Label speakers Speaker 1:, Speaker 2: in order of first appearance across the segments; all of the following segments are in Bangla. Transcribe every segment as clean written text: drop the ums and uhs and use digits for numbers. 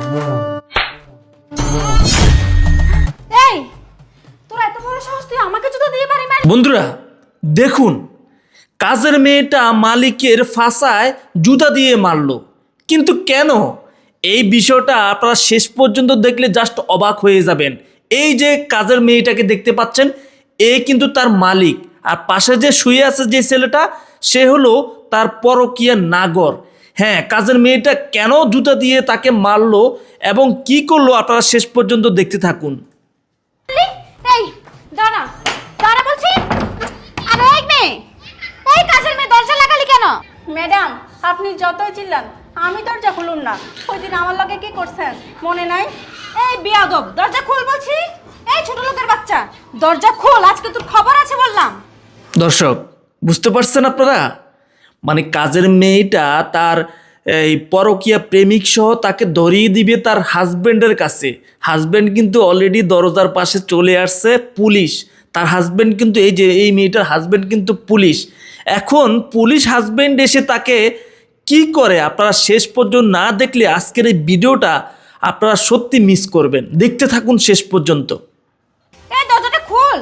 Speaker 1: এই তোরা এত বড় সাহস, তুই আমাকে জুতা দিয়ে বাড়ি মারি?
Speaker 2: বন্ধুরা দেখুন, কাজের মেয়েটা মালিকের ফাঁসায় জুতা দিয়ে মারলো, কিন্তু কেন? এই বিষয়টা আপনারা শেষ পর্যন্ত দেখলে জাস্ট অবাক হয়ে যাবেন। এই যে কাজের মেয়েটাকে দেখতে পাচ্ছেন, এ কিন্তু তার মালিক, আর পাশে যে শুয়ে আছে যে ছেলেটা, সে হলো তার পরকীয়া নাগর। হ্যাঁ, কাজের মেয়েটা কেন জুতা দিয়ে তাকে মারলো এবং কি করলো আপনারা শেষ পর্যন্ত দেখতে থাকুন।
Speaker 1: এই দাঁড়া দাঁড়া বলছি। আরে এই মেয়ে, এই কাজের মেয়ে, দরজা লাগালি কেন?
Speaker 3: ম্যাডাম, আপনি যতই চিল্লান আমি দরজা খুলুন না। ওই দিন আমার লগে কি করছেন মনে নাই?
Speaker 1: এই বিয়াদব, দরজা খোল বলছি। এই ছোট লোকের বাচ্চা, দরজা খোল, আজকে তোর খবর আছে বললাম।
Speaker 2: দর্শক বুঝতে পারছেন আপনারা, মানে কাজের মেয়েটা তার এই পরকীয়া প্রেমিক সহ তাকে ধরিয়ে দিবে তার হাজবেন্ডের কাছে। হাজবেন্ড কিন্তু অলরেডি দরজার পাশে চলে আসছে পুলিশ। তার হাজবেন্ড কিন্তু এই যে এই মেয়েটার হাজবেন্ড কিন্তু পুলিশ। এখন পুলিশ হাজবেন্ড এসে তাকে কি করে আপনারা শেষ পর্যন্ত না দেখলে আজকের এই ভিডিওটা আপনারা সত্যি মিস করবেন। দেখতে থাকুন শেষ পর্যন্ত।
Speaker 1: এই দরজাটা খোল।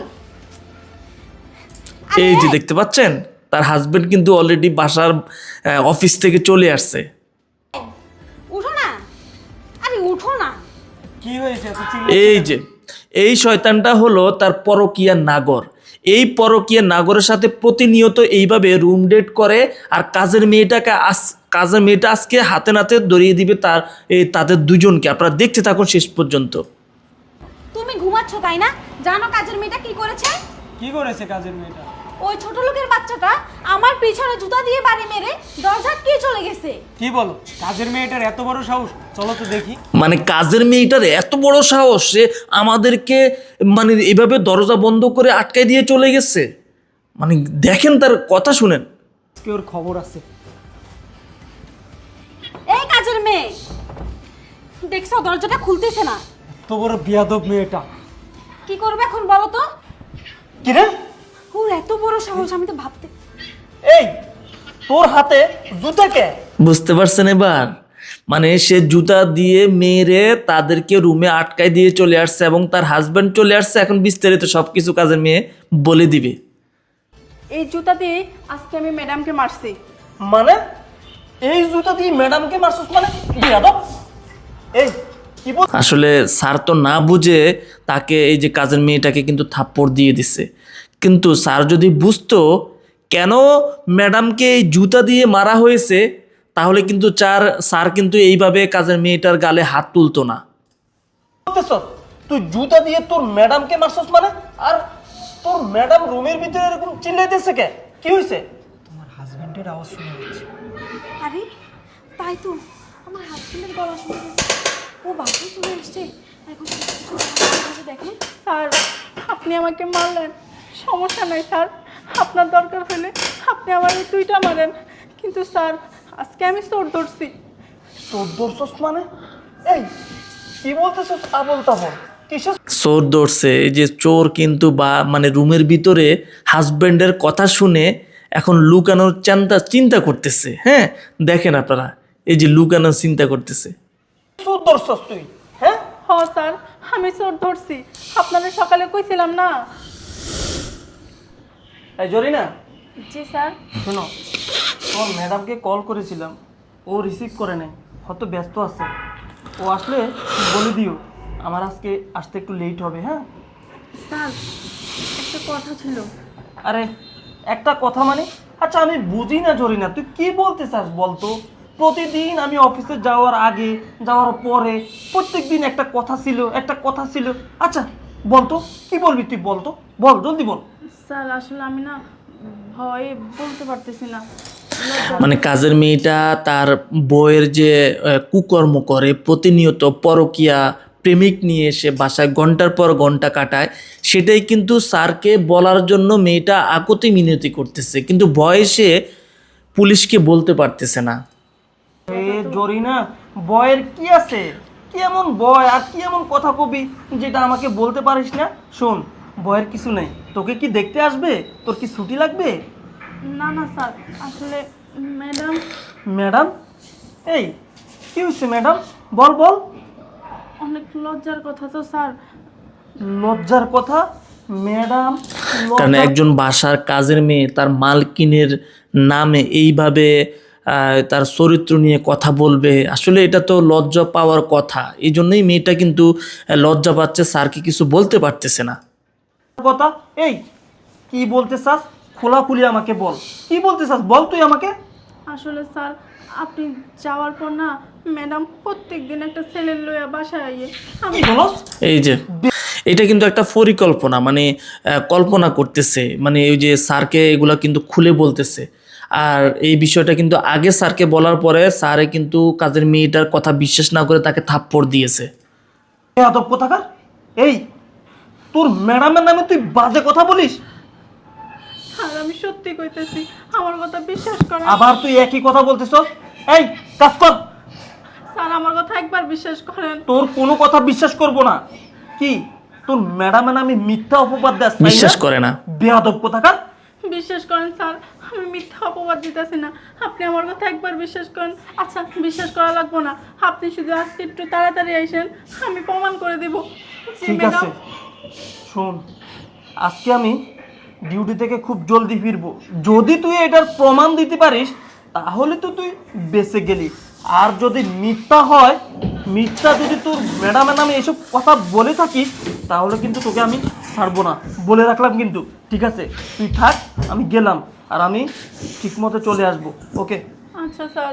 Speaker 2: এই যে দেখতে পাচ্ছেন, তার হাজবেন্ড কিন্তু অলরেডি বাসার অফিস থেকে চলে আসছে।
Speaker 1: উঠো না, আরে উঠো না।
Speaker 3: কি হয়েছে?
Speaker 2: এই যে এই শয়তানটা হলো তার পরকীয়া নাগর। এই পরকীয়া নাগরের সাথে প্রতিনিয়ত এইভাবে রুম ডেট করে, আর কাজের মেয়েটা আজকে হাতে নাতে ধরিয়ে দিবে তাদের দুজনকে। আপনারা দেখতে থাকুন শেষ পর্যন্ত।
Speaker 1: তুমি ঘুমাচ্ছ তাই না? জানো কাজের মেয়েটা কি করেছে?
Speaker 3: কি করেছে কাজের মেয়েটা?
Speaker 1: ওই ছোট লোকের বাচ্চাটা আমার পিছনে জুতা দিয়ে বাড়ি মেরে দরজা কে চলে গেছে।
Speaker 3: কি বলো? কাজের মেয়েটার এত বড় সাহস? চলো তো দেখি।
Speaker 2: মানে কাজের মেয়েটার এত বড় সাহস, সে আমাদেরকে মানে এভাবে দরজা বন্ধ করে আটকায় দিয়ে চলে গেছে। মানে দেখেন তার কথা শুনেন।
Speaker 3: আজকে ওর খবর আছে।
Speaker 1: এই কাজের মেয়ে, দেখছো দরজাটা খুলতেছে না।
Speaker 3: তো বড় বিয়াদব মেয়েটা
Speaker 1: কি করবে এখন বলো তো?
Speaker 3: কি রে?
Speaker 1: ওর এত বড় সাহস, আমি তো ভাবতে।
Speaker 3: এই তোর হাতে জুতা কে?
Speaker 2: বুঝতে পারছেন এবার? মানে সে জুতা দিয়ে মেরে তাদেরকে রুমে আটকায় দিয়ে চলে আসছে এবং তার হাজব্যান্ড চলে আসছে। এখন বিস্তারিত সবকিছু কাজের মেয়ে বলে দিবে।
Speaker 3: এই জুতা দিয়ে আজকে আমি ম্যাডামকে মারছি। মানে এই জুতা দিয়ে ম্যাডামকে মারছিস? মানে বিয়াদব। এই কি বল?
Speaker 2: আসলে স্যার তো না বুঝে তাকে এই যে কাজের মেয়েটাকে কিন্তু থাপ্পড় দিয়ে দিছে। কিন্তু স্যার যদি বুঝতো কেন ম্যাডামকে এই জুতা দিয়ে মারা হয়েছে, তাহলে কিন্তু স্যার কিন্তু এইভাবে কাজের মেয়েটার গালে হাত তুলতো না।
Speaker 3: তুই জুতা দিয়ে তোর ম্যাডামকে মারছিস মানে? আর তোর ম্যাডাম রুমের ভিতরে এরকম চিল্লাইতেছে কে? কি হয়েছে? তোমার হাজবেন্ডের আওয়াজ শুনে যাচ্ছে।
Speaker 1: আরে তাই তো, আমার হাজবেন্ডের গলা শুনে গেছে। ও বাসায় চলে এসছে। এখন দেখেন।
Speaker 3: স্যার, আপনি আমাকে মারলেন, সমস্যা নাই স্যার। আপনার দরকার হলে আপনি আমার এই দুইটা মারেন, কিন্তু স্যার আজকে আমি চোর ধরছি। চোর ধরছস মানে? এই কি বলতেছস আবল তাবল? কিসের
Speaker 2: চোর ধরছে? এই যে চোর কিন্তু মানে রুমের ভিতরে হাজব্যান্ডের কথা শুনে এখন লুকানোর চিন্তা করতেছে। হ্যাঁ দেখেন আপনারা, এই যে লুকানোর চিন্তা করতেছে।
Speaker 3: চোর ধরছস তুই? হ্যাঁ হ্যাঁ স্যার, আমি চোর ধরছি। আপনারা সকালে কইছিলাম না? এই জরিনা। জি স্যার। শোনো, তোমার ম্যাডামকে কল করেছিলাম, ও রিসিভ করে নাই, হয়তো ব্যস্ত আছে। ও আসলে বলে দিও আমার আজকে আসতে একটু লেট হবে। হ্যাঁ স্যার, একটা কথা ছিল। আরে একটা কথা মানে? আচ্ছা আমি বুঝি না জরিনা, তুই কি বলতে চাস বলতো? প্রতিদিন আমি অফিসে যাওয়ার আগে যাওয়ার পরে প্রত্যেকদিন একটা কথা ছিল। আচ্ছা বলতো কি বলবি তুই? বলতো, বল জলদি বল।
Speaker 4: স্যার আসলে আমি না ভয়ে বলতে পারতেছি না।
Speaker 2: মানে কাজের মেয়েটা তার বউয়ের যে কুকর্ম করে, প্রতিনিয়ত পরকীয়া প্রেমিক নিয়ে এসে বাসায় ঘন্টার পর ঘন্টা কাটায়, সেটাই কিন্তু স্যারকে বলার জন্য মেয়েটা আকুতি মিনতি করতেছে, কিন্তু বয়সে পুলিশকে বলতে পারতেছে না।
Speaker 3: জরিনা, বয়ের কি আছে? কি এমন বয় আর কি এমন কথা কবি যেটা আমাকে বলতে পারিস না? শোন, বয়ের কিছু নেই। তোকে কি দেখতে আসবে? তোর কি ছুটি লাগবে?
Speaker 4: না না স্যার, আসলে ম্যাডাম।
Speaker 3: ম্যাডাম? এই কি হয়েছে ম্যাডাম? বল বল।
Speaker 4: অনেক লজ্জার কথা তো স্যার।
Speaker 3: লজ্জার কথা ম্যাডাম?
Speaker 2: কারণ একজন বাসার কাজের মেয়ে তার মালকিনের নামে এইভাবে তার চরিত্র নিয়ে কথা বলবে, আসলে এটা তো লজ্জা পাওয়ার কথা। এই জন্যই মেয়েটা কিন্তু লজ্জা পাচ্ছে, স্যারকে কিছু বলতে পারতেছে না।
Speaker 3: কথা এই কি বলতে চাস? খোলাখুলি আমাকে বল, কি বলতে চাস বল তুই আমাকে।
Speaker 4: আসলে স্যার আপনি যাওয়ার পর না ম্যাডাম প্রত্যেক দিন একটা ছেলের লইয়া বাসায় আইয়ে আমি
Speaker 3: কি বলস?
Speaker 2: এই যে এটা কিন্তু একটা পরিকল্পনা, মানে কল্পনা করতেছে, মানে ওই যে স্যারকে এগুলা কিন্তু খুলে বলতেছে। আর এই বিষয়টা কিন্তু আগে স্যারকে বলার পরে স্যারে কিন্তু কাজের মেয়েটার কথা বিশ্বাস না করে তাকে থাপ্পড় দিয়েছে।
Speaker 3: আদব কোথাকার! এই তোর ম্যাডামের নামে তুই বাজে কথা বলিস?
Speaker 4: স্যার আমি সত্যি কইতেছি, আমার কথা বিশ্বাস করেন।
Speaker 3: আবার তুই একই কথা বলতেছস? এই কাজ কর।
Speaker 4: স্যার আমার কথা একবার বিশ্বাস করেন।
Speaker 3: তোর কোনো কথা বিশ্বাস করব না। কি তোর ম্যাডামের নামে মিথ্যা অপবাদ দেস?
Speaker 2: বিশ্বাস করে না।
Speaker 3: বেয়াদব কোথাকার!
Speaker 4: বিশ্বাস করেন স্যার, আমি মিথ্যা অপবাদ দিতেছি না, আপনি আমার কথা একবার বিশ্বাস করেন। আচ্ছা বিশ্বাস করা লাগবো না, আপনি শুধু আজকে একটু তাড়াতাড়ি আইসেন, আমি প্রমাণ করে দেব। জি,
Speaker 3: ঠিক
Speaker 4: ম্যাডাম।
Speaker 3: আছে শোন, আজকে আমি ডিউটি থেকে খুব জলদি ফিরবো। যদি তুই এটার প্রমাণ দিতে পারিস তাহলে তো তুই বেঁচে গেলি। আর যদি মিথ্যা হয়, মিথ্যা যদি তোর ম্যাডামের নামে এসব কথা বলে থাকিস তাহলে কিন্তু তোকে আমি ছাড়বো না, বলে রাখলাম কিন্তু। ঠিক আছে তুই থাক, আমি গেলাম, আর আমি ঠিক মতো চলে আসবো। ওকে?
Speaker 4: আচ্ছা স্যার।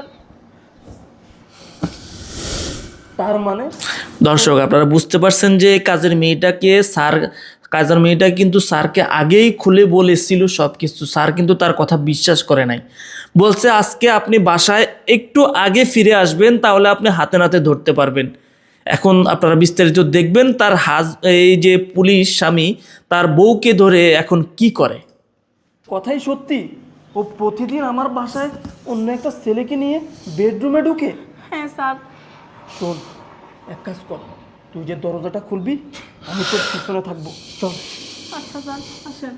Speaker 3: তার মানে
Speaker 2: দর্শক আপনারা বুঝতে পারছেন যে কাজের মেয়েটা কিন্তু স্যারকে আগেই খুলে বলেছিল সব কিছু। স্যার কিন্তু তার কথা বিশ্বাস করে নাই, বলছে আজকে আপনি বাসায় একটু আগে ফিরে আসবেন, তাহলে আপনি হাতে নাতে ধরতে পারবেন। এখন আপনারা বিস্তারিত দেখবেন তার এই যে পুলিশ স্বামী তার বউকে ধরে এখন কি করে।
Speaker 3: কথাই সত্যি, ও প্রতিদিন আমার বাসায় অন্য একটা ছেলেকে নিয়ে বেডরুমে ঢুকে।
Speaker 4: হ্যাঁ স্যার।
Speaker 3: শোন, এক কাজ কর, তুই যে দরজাটা খুলবি আমি তোর পিছনে থাকবো, চল।
Speaker 4: আচ্ছা স্যার আসেন।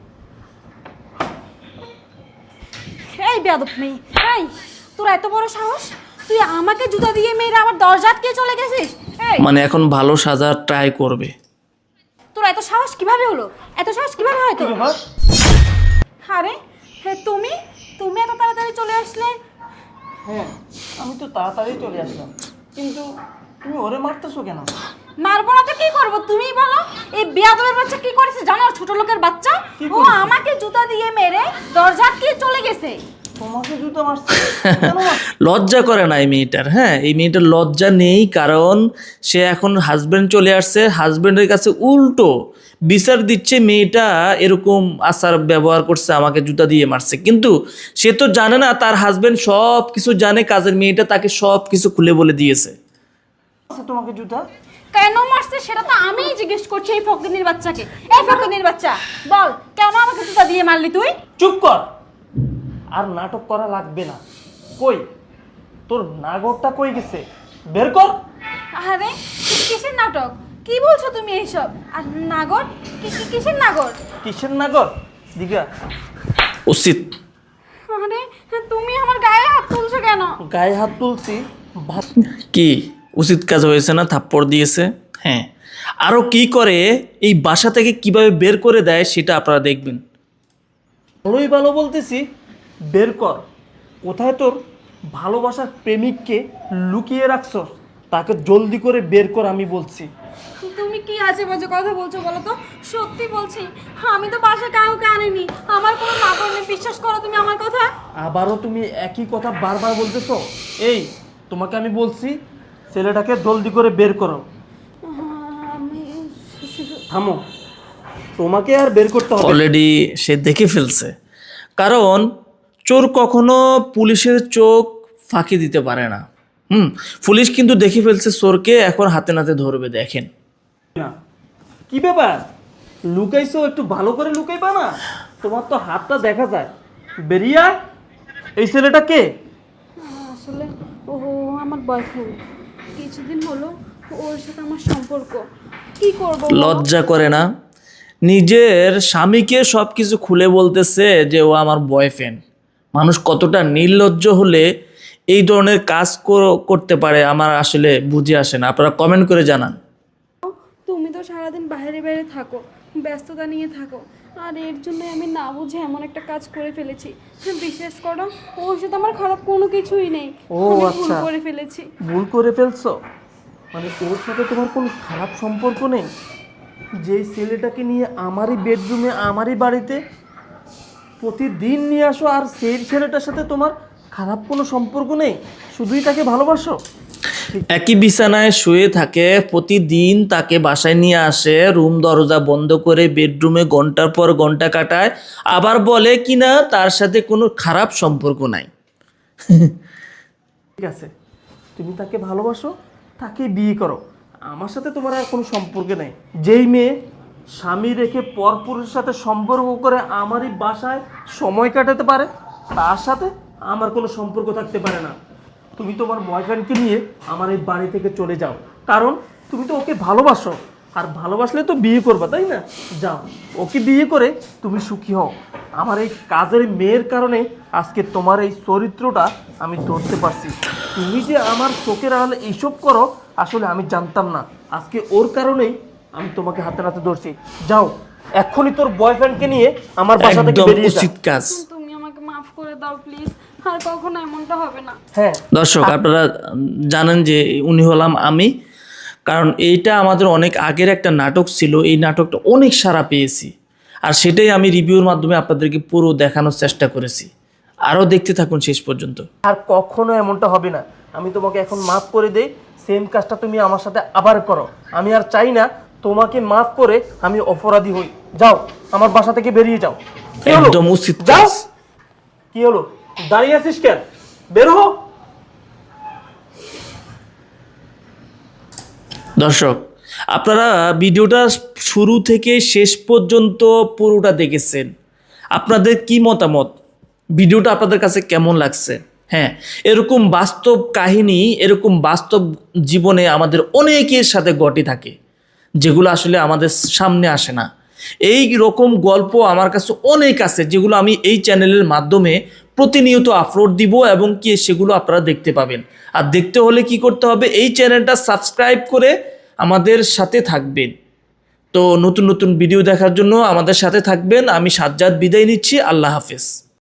Speaker 1: এই বেয়াদব মেয়ে, এই তোর এত বড় সাহস, তুই আমাকে জুতা দিয়ে মেয়েরা আমার দরজা আটকে চলে গেছিস? এই
Speaker 2: মানে এখন ভালো সাজার ট্রাই করবে।
Speaker 1: তোর এত সাহস কিভাবে হলো? এত সাহস কিভাবে হয় তোর?
Speaker 3: ব্যাপার?
Speaker 1: আরে হ্যাঁ, তুমি তুমি এত তাড়াতাড়ি চলে আসলে?
Speaker 3: হ্যাঁ আমি তো তাড়াতাড়ি চলে আসলাম, কিন্তু তুমি ওরে মারতেছো কেন?
Speaker 1: মারবো না তো কি করবো তুমিই বলো। এই বেয়াদবের বাচ্চা কি করেছে জানো? ছোট লোকের বাচ্চা,
Speaker 3: কি
Speaker 1: ও
Speaker 3: করেছে?
Speaker 1: আমাকে জুতা দিয়ে মেরে দরজা আটকে চলে গেছে।
Speaker 3: তোমাকে জুতো মারছে? কেন মারছে?
Speaker 2: লজ্জা করে না এই মেয়েটার। হ্যাঁ, এই মেয়েটার লজ্জা নেই, কারণ সে এখন হাজব্যান্ড চলে আসছে, হাজব্যান্ডের কাছে উল্টো বিচার দিচ্ছে মেয়েটা এরকম আচার ব্যবহার করছে, আমাকে জুতা দিয়ে মারছে। কিন্তু সে তো জানে না তার হাজব্যান্ড সব কিছু জানে, কাজের মেয়েটা তাকে সব কিছু খুলে বলে দিয়েছে।
Speaker 3: আচ্ছা, তোমাকে জুতা
Speaker 1: কেন মারছে সেটা তো আমিই জিজ্ঞেস করছি এই ফকিনীর বাচ্চাকে। এই ফকিনীর বাচ্চা বল, কেন আমাকে জুতা দিয়ে মারলি তুই?
Speaker 3: চুপ কর, আর নাটক করা লাগবে না। কই তোর নাগরটা কই গেছে? বের কর।
Speaker 1: আরে কিসের নাটক? কি বলছো তুমি এইসব? আর নাগর? কিসের নাগর?
Speaker 3: কিসের নাগর? দিঘা
Speaker 2: উচিত
Speaker 1: আরে তুমি আমার গায়ে হাত তুলছো কেন?
Speaker 3: গায়ে হাত তুলছি
Speaker 2: কি উচিত কাজ হয়েছে না? থাপ্পড় দিয়েছে। হ্যাঁ, আরও কি করে এই বাসা থেকে কিভাবে বের করে দেয় সেটা আপনারা দেখবেন।
Speaker 3: ভালোই ভালো বলতেছি, বের কর। কোথায় তোর ভালোবাসার প্রেমিককে লুকিয়ে রাখছস? তাকে জলদি করে বের কর, আমি বলছি।
Speaker 1: তুমি কি আজে বাজে কথা বলছো বলো তো? সত্যি বলছি, আমি তো বাসা কাউকে আনিনি, আমার কোনো নাগর নেই, বিশ্বাস করো তুমি আমার কথা।
Speaker 3: আবারও তুমি একই কথা বারবার বলতেছো। এই তোমাকে আমি বলছি ছেলেটাকে জলদি করে বের করো। থামো, তোমাকে আর বের করতে হবে।
Speaker 2: অলরেডি সে দেখে ফেলছে, কারণ চোর কখনো পুলিশের চোখ ফাঁকি দিতে পারে না। পুলিশ কিন্তু দেখে ফেলছে চোরকে, এখন হাতে নাতে ধরবে। দেখেন
Speaker 3: না, কি ব্যাপার? লুকাইছো, একটু ভালো করে লুকাইবা না? তোমার তো হাতটা দেখা যায়। বেরিয়ে আয়। এই ছেলেটা কে?
Speaker 1: আসলে ও আমার বয়ফ্রেন্ড, কিছুদিন হলো ওর সাথে আমার সম্পর্ক। কি করব?
Speaker 2: লজ্জা করে না? নিজের স্বামীকে সব কিছু খুলে বলতেছে যে ও আমার বয়ফ্রেন্ড। মানুষ কতটা নির্লজ্জ হলে এই ধরনের কাজ করতে পারে আমার আসলে বুঝে আসে না। আপনারা কমেন্ট করে জানান।
Speaker 1: তুমি তো সারাদিন বাইরে বাইরে থাকো, ব্যস্ততা নিয়ে থাকো, আর এর জন্য আমি না বুঝে এমন একটা কাজ করে ফেলেছি। বিশ্বাস করো, ওর সাথে আমার খারাপ কোনো কিছুই নেই।
Speaker 3: ও
Speaker 1: আমি ভুল
Speaker 3: আচ্ছা,
Speaker 1: করে ফেলেছি।
Speaker 3: ভুল করে ফেলছো মানে ওর সাথে তোমার কোনো খারাপ সম্পর্ক নেই? যেই ছেলেটাকে নিয়ে আমারই বেডরুমে আমারই বাড়িতে প্রতিদিন নিয়ে আসো, আর সেই ছেলেটার সাথে তোমার খারাপ কোনো সম্পর্ক নেই, শুধুই তাকে ভালোবাসো?
Speaker 2: একই বিছানায় শুয়ে থাকে, প্রতিদিন তাকে বাসায় নিয়ে আসে, রুম দরজা বন্ধ করে বেডরুমে ঘন্টার পর ঘন্টা কাটায়, আবার বলে কিনা তার সাথে কোনো খারাপ সম্পর্ক নাই।
Speaker 3: ঠিক আছে, তুমি তাকে ভালোবাসো, তাকে বিয়ে করো, আমার সাথে তোমার আর কোনো সম্পর্ক নেই। যেই মেয়ে স্বামী রেখে পরপুরুষের সাথে সম্পর্ক করে আমারই বাসায় সময় কাটাতে পারে, তার সাথে আমার কোনো সম্পর্ক থাকতে পারে না। তুমি তোমার বয়ফ্রেন্ডকে নিয়ে আমার এই বাড়ি থেকে চলে যাও, কারণ তুমি তো ওকে ভালোবাসো, আর ভালোবাসলে তো বিয়ে করবা, তাই না? যাও, ওকে বিয়ে করে তুমি সুখী হও। আমার এই কাজের মেয়ের কারণে আজকে তোমার এই চরিত্রটা আমি ধরতে পারছি। তুমি যে আমার চোখের আড়ালে এইসব করো, আসলে আমি জানতাম না। আজকে ওর কারণেই আমি তোমাকে হাতে নাতে ধরছি। যাও, এক্ষুনি তোর বয়ফ্রেন্ডকে নিয়ে আমার বাসা থেকে
Speaker 2: একদম
Speaker 3: বেরিয়ে যা।
Speaker 2: উচিত কাজ।
Speaker 1: তুমি আমাকে মাফ করে দাও প্লিজ, আর কখনো এমনটা হবে না।
Speaker 3: হ্যাঁ,
Speaker 2: দর্শক আপনারা জানেন যে উনি হলাম আমি, কারণ এইটা আমাদের অনেক আগের একটা নাটক ছিল। এই নাটকটা অনেক সাড়া পেয়েছি, আর সেটাই আমি রিভিউর মাধ্যমে আপনাদেরকে পুরো দেখানোর চেষ্টা করেছি। আরও দেখতে থাকুন শেষ পর্যন্ত।
Speaker 3: আর কখনো এমনটা হবে না। আমি তোমাকে এখন মাফ করে দেই, সেম কাজটা তুমি আমার সাথে আবার করো। আমি আর চাই না তোমাকে মাফ করে আমি অপরাধী হই। যাও, আমার বাসা থেকে বেরিয়ে যাও। কি হলো?
Speaker 2: একদম উচিত
Speaker 3: যাও।
Speaker 2: কাজ।
Speaker 3: কি হলো, দাঁড়িয়ে আছিস কেন? বের হো।
Speaker 2: দর্শক আপনারা ভিডিওটা শুরু থেকে শেষ পর্যন্ত পুরোটা দেখেছেন, আপনাদের কি মতামত? ভিডিওটা আপনাদের কাছে কেমন লাগছে? হ্যাঁ, এরকম বাস্তব কাহিনী, এরকম বাস্তব জীবনে আমাদের অনেকের সাথে ঘটে থাকে, যেগুলো আসলে আমাদের সামনে আসে না। এই রকম গল্প আমার কাছে অনেক আছে, যেগুলো আমি এই চ্যানেলের মাধ্যমে প্রতিনিয়ত আপলোড দিব, এবং কি সেগুলো আপনারা দেখতে পাবেন। আর দেখতে হলে কি করতে হবে? এই চ্যানেলটা সাবস্ক্রাইব করে আমাদের সাথে থাকবেন। তো নতুন নতুন ভিডিও দেখার জন্য আমাদের সাথে থাকবেন। আমি সাজ্জাদ বিদায় নিচ্ছি। আল্লাহ হাফেজ।